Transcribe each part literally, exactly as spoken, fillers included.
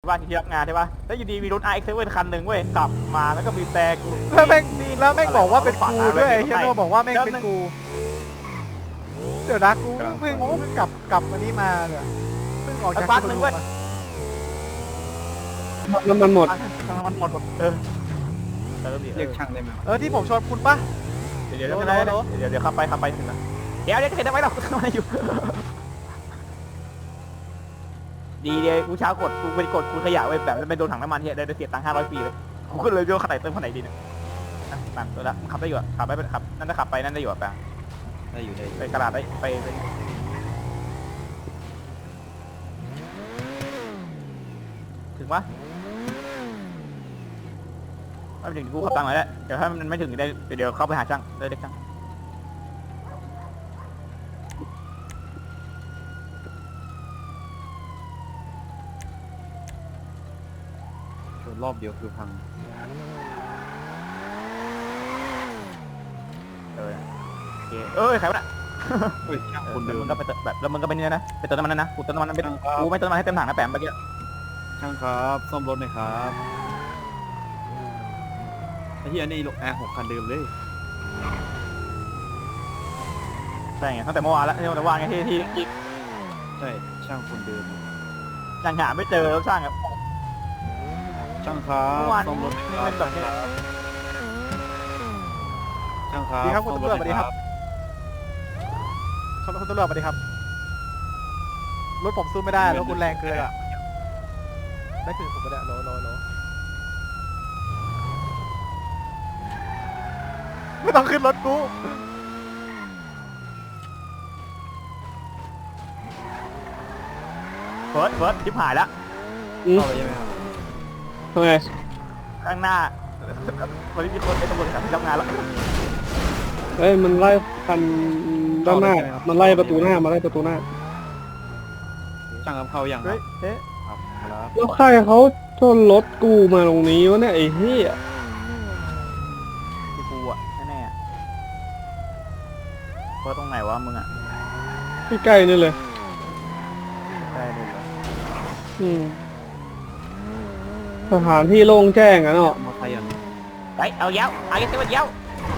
บ้านที่รับงานใช่ปะแล้วอยู่ดีมีรถ อาร์ เอ็กซ์ เซเว่น คันหนึ่งเว้ยขับมาแล้วก็มีแต่กูแล้วแม่งแล้วแม่งบอกว่าเป็นกูด้วยไอ้เฮียโนบอกว่าแม่งเป็นกูเดี๋ยวนะกูเพิ่งเพิ่งกลับกลับมานี่มาเนี่ยเพิ่งออกจากพักหนึ่งเว้ยน้ำมันหมดมันหมดหมดเออเติมดิเรียกช่างได้ไหมเออที่ผมชวนคุณปะเดี๋ยวเดี๋ยวเดี๋ยวเดี๋ยวเดี๋ยวขับไปขับไปถึงนะเดี๋ยวเดี๋ยวเห็นได้ไหมเราทำอะไรอยู่ดีเดียวกูเช้ากดกูไปกดกูขยะไว้แบบไม่โดนถังน้ำมันเฮียได้เสียตังค์ห้าร้อยปีเลยกูก็เลยเลือกขับไหนเติมขับไหนดีเนี่ยตังค์ตัวละขับได้อยู่ขับไปขับนั่นจะขับไปนั่นได้อยู่แปลงได้อยู่ได้อยู่ไปกระดาษได้ไปถึงปะไม่ถึงกูขับตังค์เลยแหละเดี๋ยวถ้ามันไม่ถึงได้เดี๋ยวเข้าไปหาช่างได้เด็กช่างชนรอบเดียวคือพังเออโอเคเอ้ยใครวะน่ะเฮ้ยช่างคคน นเดิเดิมมมึงก็ไปเติมแบบแล้วมึงก็ไปนี่นะไปเติมน้ำมันนะนะกูเติมน้ำมันเป็นกูไม่เติมน้ำมันให้เต็มถังนะแปมเมื่อกี้ช่างครับซ่อมรถหน่อยครับไอ้ที่อันนี้แอร์หกคันเดิมเลยใช่ไงตั้งแต่เมื่อวานแล้วที่เราว่างไงที่ที่ที่ใช่ช่างคนเดิมยังหาไม่เจอแล้วช่างครับช่างครัเมื่บอวานซ่อมรถหน่อยเป็นแบบนี้ช่างครับดีครับคุณซ่อมตำรวจหสวัสน่ดีอยครับคุณคุณตำรวจสวัสดีครับรถผมสู้ไม่ได้รถคุณแรงเกินอ่ะได้ถึงผมก็ได้โลโลโลไม่ต้องขึ้นรถกูเฟิร์สเฟิร์สทิพหายแล้วเข้าไปใช่ไหมครับทำไงข้างหน้าวันนี้มีคนไอ้ตำรวจขับที่ทำงานแล้วเอ้ยมันไล่คันด้านหน้า มันไล่ประตูหน้ามาไล่ประตูหน้าช่างครับเข้ายังคเฮ้รัยบเฮ้ยครับครับแล้วใครเขาชนรถกูมาตรงนี้วะเนี่ยไอ้เหี้ยที่กูอ่ะแน่ๆเฟิร์สตรงไหนวะมึงอ่ะใกล้ๆนี่เลยใช่เลยเหรออืมสถานที่โล่งแจ้งอะเนาะมอไซค์อ่ะเฮ้ยเอาเย้าเอาเย้าเย้าเย้า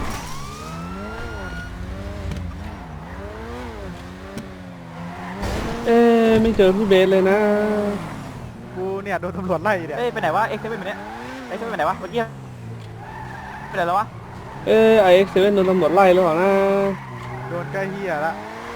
เอ๊ะไม่เจอพี่เบสเลยนะกูเนี่ยโดนตำรวจไล่เนี่ยเอ้ยไปไหนวะเอ็กซ์เซเว่นไปเนี้ยเอ็กซ์เซเว่นไปไหนวะเมื่อกี้ไปไหนแล้ววะเอ้ไอเอ็กซ์เซเว่นโดนตำรวจไล่หรือเปล่านะโดนใกล้เฮียละ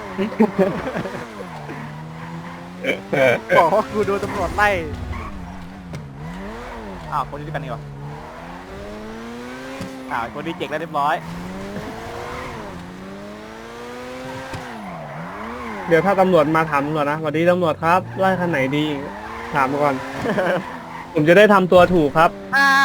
บอกว่ากูโดนตำรวจไล่อ้าวคนนี้ด้วยกันนี่วะอ้าวคนนี้เจ็กแล้วเรียบร้อยเดี๋ยวถ้าตำรวจมาถามตำรวจนะสวัสดีตำรวจครับไล่คันไหนดี ถามก่อน ผมจะได้ทำตัวถูกครับอ้า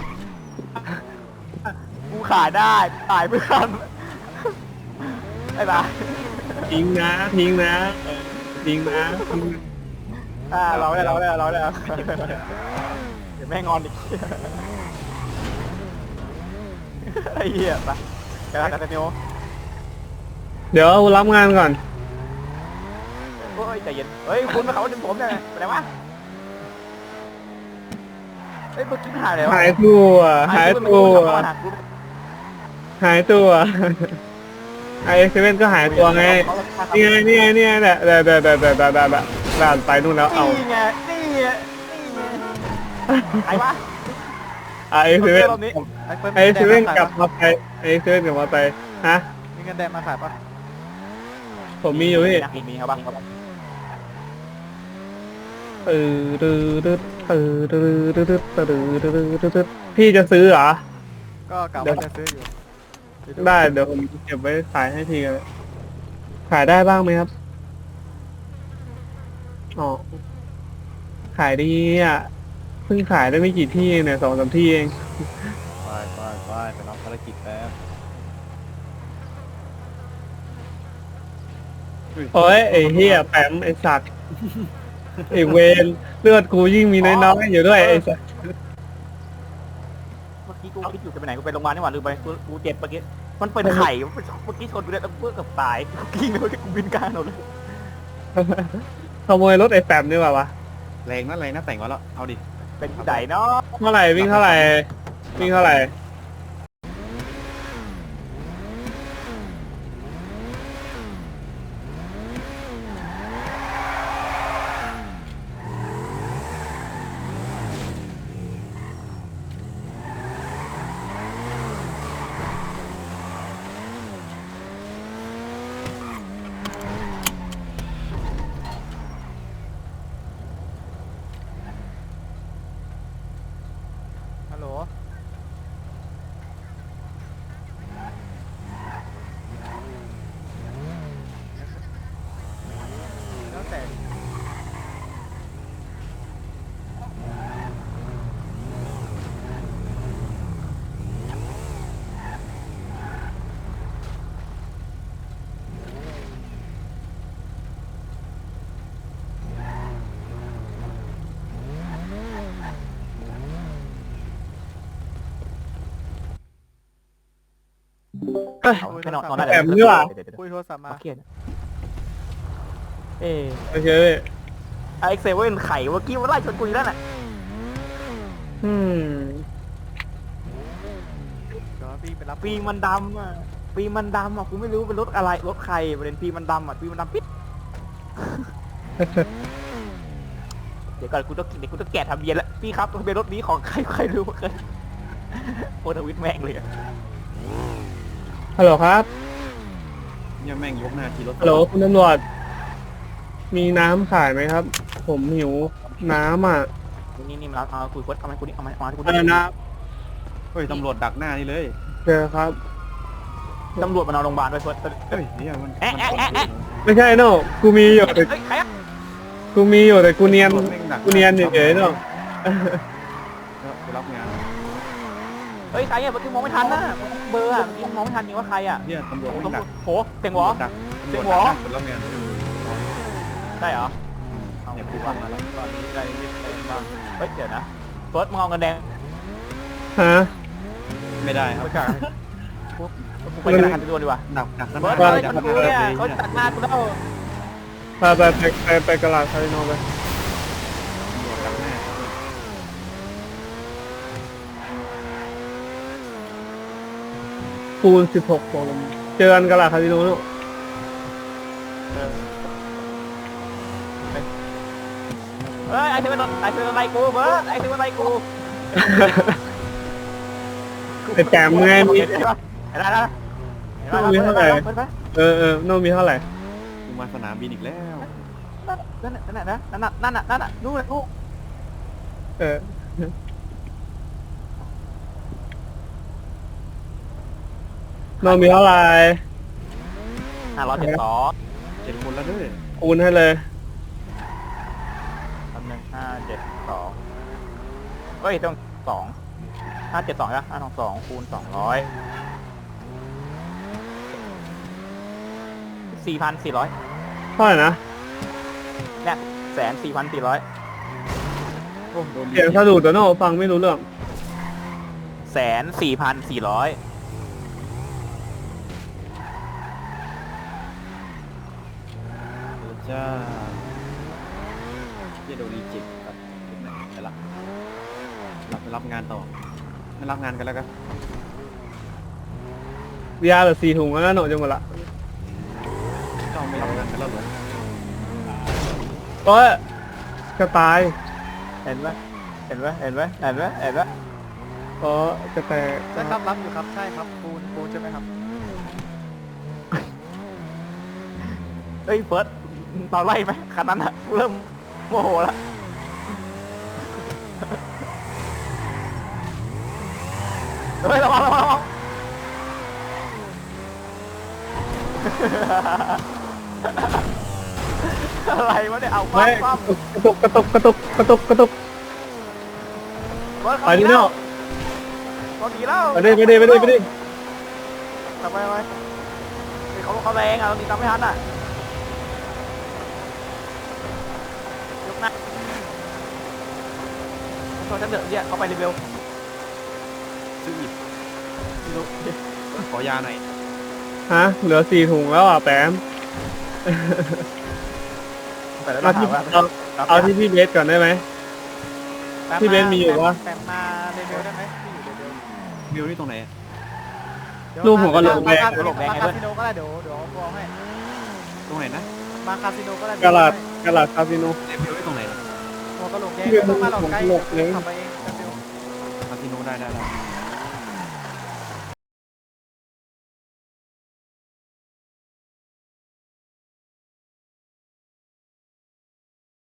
กูขายได้ตายเพื่อนไอ้บ้าทิ้งนะทิ้งนะเออทิ้งนะทิ้งนะอ่าเราได้เราได้เราได้เดี๋ยวแม่งอนอีกไอ้เหี้ยไปกระดาษกระเนียวเดี๋ยวรับงานก่อนโอ้ยใจเย็นเฮ้ยคุณมาเขาดึงผมเนี่ยไปไหนวะเฮ้ยเมื่อกี้หายเลยวะหายตัวหายตัว หายตัวไอเอ็กซ์เซเว่นก็หายตัวไง นี่ไงนี่ไงนี่ไงเนี่ยเดี๋ยวเดี๋ยวเดี๋ยวเดี๋ยวเดี๋ยวเดี๋ยวด่านไปนู่นแล้วเอานี่ไงนี่ไงนี่ไงใครวะไอเอ็กซ์เซเว่นรอบนี้ไอเอ็กซ์เซเว่นกลับมาไปไอเอ็กซ์เซเว่นกลับมาไปฮะมีเงินแดงมาขายปะผมมีอยู่พี่มีมีครับบ้างครับเออดื้อดื้อเออดื้อดื้อดื้อดื้อดื้อดื้อดื้อดื้อพี่จะซื้อเหรอก็กะว่าจะซื้ออยู่ได้เดี๋ยวผมเก็บไว้ขายให้ทีกันขายได้บ้างไหมครับอ๋อขายดีอ่ะเพิ่งขายได้ไม่กี่ที่เองเนี่ยสองสามที่เองไปไปไปไปรับภารกิจแป๊บโอ้ยไอ้เฮียแปมไอ้สัตว์ไอ้เวนเลือดกูยิ่งมีน้อยๆอยู่ด้วยไอ้สัตว์เมื่อกี้กูคิดอยู่จะไปไหนกูไปโรงพยาบาลนี่หว่าลืมไปกูกูเจ็บเมื่อกี้มันเป็นไข่เมื่อกี้ชนกูเลยแล้วเพื่อกับตายกูกิ้งเลยกูบินกลางถนนเลยขโมยรถไอ้แปมนี่ว่าวะแรงนะแรงนะแต่งไว้แล้วเอาดิเป็นที่ไหนเนาะเท่าไหร่วิ่งเท่าไหร่วิ่งเท่าไหร่ฮัลโหลแล้วแต่เอาแค่นอนนอนได้แบบนี้ว่ะเดี๋ยวเดี๋ยวคุยโทรศัพท์มามาเครียดเอ๊ะโอเคไอเอ็กเซเว่นไข่เมื่อกี้มันไล่ชนกูอยู่แล้วน่ะอืมเดี๋ยวพี่ไปรับปีมันดำอ่ะปีมันดำอ่ะกูไม่รู้เป็นรถอะไรรถใครประเด็นปีมันดำอ่ะปีมันดำปิด เดี๋ยวก่อนกูต้องเดี๋ยวกูต้องแกะทะเบียนแล้วพี่ครับทะเบียนรถนี้ของใครใครรู้บ้างเลยโอทวิตแม่งเลยอะฮัลโหลครับเนี่ยแม่งยกหน้าขี่รถฮัลโหลคุณตำรวจมีน้ำขายไหมครับ ผมหิวน้ำอ่ะนี่นี่มาเอาคุยโคตรเอามาคุยเอามาเอามาคุยอะไรนะเฮ้ยตำรวจดักหน้านี่เลยเจอครับตำรวจมานอนโรงพยาบาลด้วยเฟิร์สเฮ้ยเนี่ยมันแอะแอะแอะแอะไม่ใช่โน่กูมีอยู่แต่เฮ้ยใครอะกูมีอยู่แต่กูเนียนตำรวจแม่งดักูเนียนเฉยๆโน่ไปรับงานเฮ้ยใครอะเมื่อกี้มองไม่ทันนะเบอร์อะเมื่อกี้มองไม่ทันจริงว่าใครอะเนี่ยตำรวจโอ้แม่งดักโหเสียงหวอดักเสีตำรยว งจหวอดักคนรับงานใช่เหรอเอาเนี่ยกูกูว่าว่ามาแล้วตอนนี้ได้ยินเสียงบ้างเฮ้ยเดี๋ยวนะเฟิร์สมึงเอาเงินแดงฮะไม่ได้ครับไปกันกูไปกันหันไปดูดีกว่าดักดักข้างหเฟิร์น้าสดัเฮ้ยกชนข้างหกูน้าเนี่ยเลยเขาเนี่ยตัดหน้ากูแล้วไปไปไปไปไปกระลาดคาสิโนไปตำรวจดักหน้าปูนสิบหกโมงเจอกันกระลาดคาสิโนโน่เออเฮ้ยไอ้เทวันไอ้เทวันไล่กูเฟิร์สไอ้เทวันไล่กูไอ้แจมไงมีเห็นปะเห็นปะเห็นปะมีเท่าไหร่เห็นปะเออเออโน่มีเท่าไหร่กูมาสนามบินอีกแล้วนั่นน่ะนั่นน่ะนั่นน่ะนั่นน่ะนั่นน่ะนู่นเลยนู่นเออโน่มีเท่าไหร่ห้าร้อยเจ็ดสองเจ็ดคนแล้วด้วยคูณให้เลยคำหนึ่งห้าเจ็ดสองเฮ้ยต้องสองห้าเจ็ดสองนะห้าสองสองคูณสองร้อยสี่พันสี่ร้อยเท่าไหร่นะเนี่ยแสนสี่พันสี่ร้อยโอ้โดนเสียงสะดุดแต่โน่ฟังไม่รู้เรื่องแสนสี่พันสี่ร้อยจ้าเจโดนรีเจ็คครับไปละรับไปรับงานต่อไม่รับงานกันแล้วกันยาเหลือสี่ถุงแล้วนะโน่จะหมดละเจ้าไม่รับงานกันแล้วเหรอโอ้ยจะตายเห็นไหมเห็นไหมเห็นไหมเห็นไหมเห็นไหมเพราะจะแตกใช่ครับรับอยู่ครับใช่ครับปูนปูนใช่ไหมครับเฮ้ยเฟิร์สเราไล่ไหมคันนั้นอะกูเริ่มโมโหแล้วเฮ้ยระวังระวังระวัง อะไรวะเนี่ยเอาคไม่วามความกระตุกกระตุกกระตุกกระตุกกระตุกเฟิร์สไปดิโน่เขาหนีแล้วไปดิไปดิไปดิไปดิทำไมไปเขาเขาแรงอ่ะเราหนีตามไม่ทันอ่ะยกหน้าโทษฉันเถอะเนี่ยเขาไปรีเวลซื้ออีกไม่รู้ขอยาหน่อยฮะเหลือสี่ถุงแล้วอ่ะแปมแต่แล้วมาถาที่มว่าเราเอาที่พี่เบสก่อนได้ไหม พี่เบนซ์มีอยู่ปะแปมมาเร็วๆได้ไหมพี่อยู่เร็ววิวนี่ตรงไหนอะๆลูกผมก็หลงแดงมาคาสิโนมาคาสิโนก็ได้เดี๋ยวเดี๋ยวเอาตัวให้ตรงไหนนะมาคาสิโนก็ได้กาลาดกาลาดคาสิโนเอ้ยวิวนี่ตรงไหนนะหัวกระโหลกแดงพี่เบนซ์ต้องมาหลอกไกลผมหลบเลยขับไปเองเร็วคาสิโนได้ได้ได้ๆ